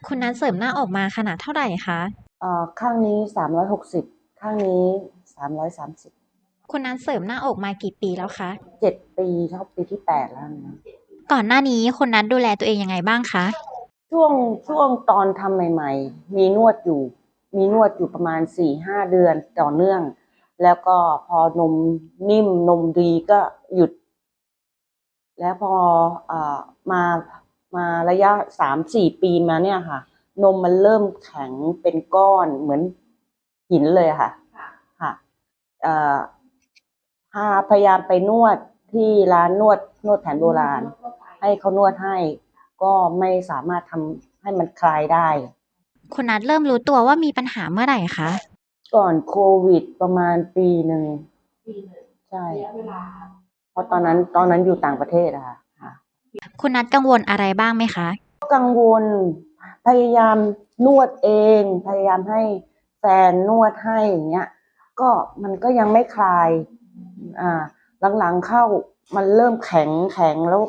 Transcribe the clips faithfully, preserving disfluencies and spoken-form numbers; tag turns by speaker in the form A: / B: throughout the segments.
A: คุณนัดเสริมหน้าอกมาขนาดเท่าไหร่คะ
B: เอ่อข้างนี้สามร้อยหกสิบข้างนี้สามร้อยสามสิบ
A: คุณนัดเสริมหน้าอกมากี่ปีแล้วคะ
B: เจ็ดปีเข้าปีที่แปดแล้วนะ
A: ก่อนหน้านี้คุณนัดดูแลตัวเองยังไงบ้างคะ
B: ช่วงช่วงตอนทำใหม่ๆมีนวดอยู่มีนวดอยู่ประมาณสี่ห้าเดือนต่อเนื่องแล้วก็พอนมนิ่มนมดีก็หยุดแล้วพอเอ่อมามาระยะสามสี่ปีมาเนี่ยค่ะนมมันเริ่มแข็งเป็นก้อนเหมือนหินเลยค่ะค่ะเอ่อพาพยายามไปนวดที่ร้านนวดนวดแผนโบราณให้เขานวดให้ก็ไม่สามารถทำให้มันคลายได้
A: คุณนัดเริ่มรู้ตัวว่ามีปัญหาเมื่อไหร่คะ
B: ก่อนโควิดประมาณปีหนึ่งใช่เพราะตอนนั้นตอนนั้นอยู่ต่างประเทศอะค่ะ
A: คุณนัดกังวลอะไรบ้างไหมคะ
B: กังวลพยายามนวดเองพยายามให้แฟนนวดให้อย่างเงี้ยก็มันก็ยังไม่คลายอ่าหลังๆเข้ามันเริ่มแข็งแข็งแล้ว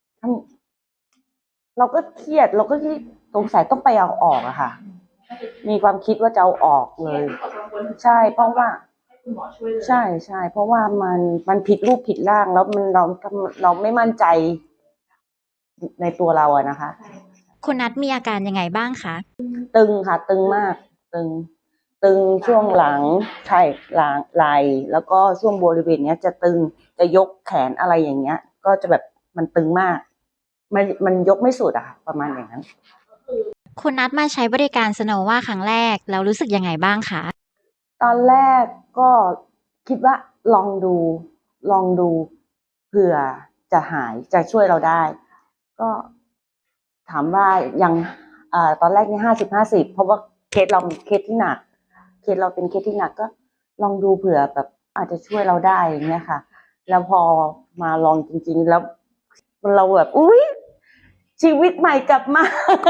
B: เราก็เครียดเราก็คิดสงสัยต้องไปเอาออกอะค่ะมีความคิดว่าจะเอาออกเลยใช่เพราะว่าใช่ใช่เพราะว่ามันมันผิดรูปผิดร่างแล้วมันเราเราไม่มั่นใจในตัวเราอะนะคะ
A: คุณนัดมีอาการยังไงบ้างคะ
B: ตึงค่ะตึงมากตึงตึงช่วงหลังใช่หลังไหล่แล้วก็ช่วงบริเวณเนี้ยจะตึงจะยกแขนอะไรอย่างเงี้ยก็จะแบบมันตึงมากมันมันยกไม่สุดอะค่ะประมาณอย่างนั้น
A: คุณนัดมาใช้บริการสโนว่าครั้งแรกแล้วรู้สึกยังไงบ้างคะ
B: ตอนแรกก็คิดว่าลองดูลองดูเผื่อจะหายจะช่วยเราได้ก็ถามว่ายังอ่าตอนแรกนี่ห้าสิบห้าสิบเพราะว่าเคสเราเคสที่หนักเคสเราเป็นเคสที่หนักก็ลองดูเผื่อแบบอาจจะช่วยเราได้อย่างเงี้ยค่ะแล้วพอมาลองจริงๆแล้วเราแบบอุ๊ยชีวิตใหม่กลับมา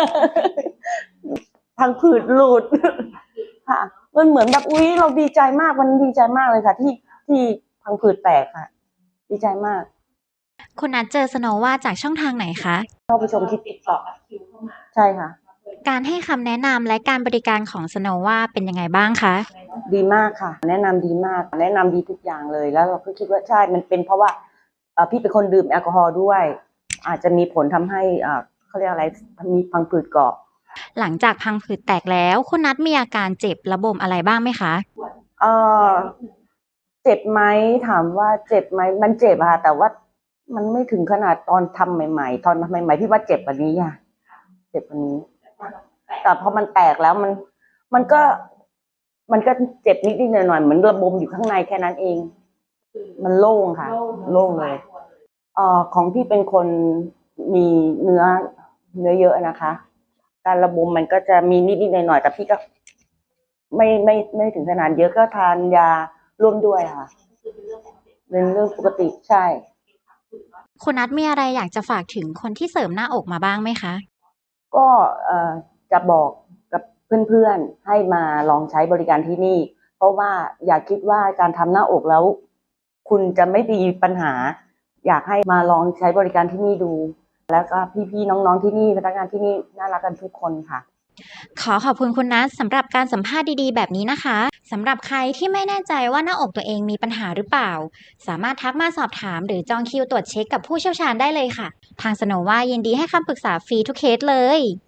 B: พังผืดหลุดค่ะมันเหมือนแบบอุ๊ยเราดีใจมากมันดีใจมากเลยค่ะที่ที่พังผืดแตกค่ะดีใจมาก
A: คุณนัดเจอสโนว่าจากช่องทางไหนคะ
B: เข้าไปชมที่ติ๊กต็อกใช่ค่ะ
A: การให้คำแนะนำและการบริการของสโนว่าเป็นยังไงบ้างคะ
B: ดีมากค่ะแนะนำดีมากแนะนำดีทุกอย่างเลยแล้วเราก็คิดว่าใช่มันเป็นเพราะว่าพี่เป็นคนดื่มแอลกอฮอล์ด้วยอาจจะมีผลทำให้เขาเรียกอะไรมีพังผืดเกาะ
A: หลังจากพังผืดแตกแล้วคุณนัดมีอาการเจ็บระบมอะไรบ้างไหมคะ
B: เออเจ็บไหมถามว่าเจ็บไหมมันเจ็บค่ะแต่ว่ามันไม่ถึงขนาดตอนทำใหม่ๆตอนทำใหม่ๆพี่ว่าเจ็บกว่านี้ค่ะเจ็บกว่านี้แต่พอมันแตกแล้วมันมันก็มันก็เจ็บนิดๆหน่อยๆเหมือนระบมอยู่ข้างในแค่นั้นเองมันโล่งค่ะโล่งเลยเอ่อของพี่เป็นคนมีเนื้อเนื้อเยอะนะคะการระบมมันก็จะมีนิดๆหน่อยๆแต่พี่ก็ไม่ไม่ไม่ถึงขนาดเยอะก็ทานยาร่วมด้วยค่ะเป็นเรื่องปกติใช่
A: คุณนัดมีอะไรอยากจะฝากถึงคนที่เสริมหน้าอกมาบ้างไหมคะ
B: ก็เอ่อจะบอกกับเพื่อนๆให้มาลองใช้บริการที่นี่เพราะว่าอย่าคิดว่าการทำหน้าอกแล้วคุณจะไม่มีปัญหาอยากให้มาลองใช้บริการที่นี่ดูแล้วก็พี่ๆน้องๆที่นี่พนักงานที่นี่น่ารักกันทุกคนค่ะ
A: ขอขอบคุณคุณนัทสำหรับการสัมภาษณ์ดีๆแบบนี้นะคะสำหรับใครที่ไม่แน่ใจว่าหน้าอกตัวเองมีปัญหาหรือเปล่าสามารถทักมาสอบถามหรือจองคิวตรวจเช็คกับผู้เชี่ยวชาญได้เลยค่ะทางสโนว่ายินดีให้คำปรึกษาฟรีทุกเคสเลย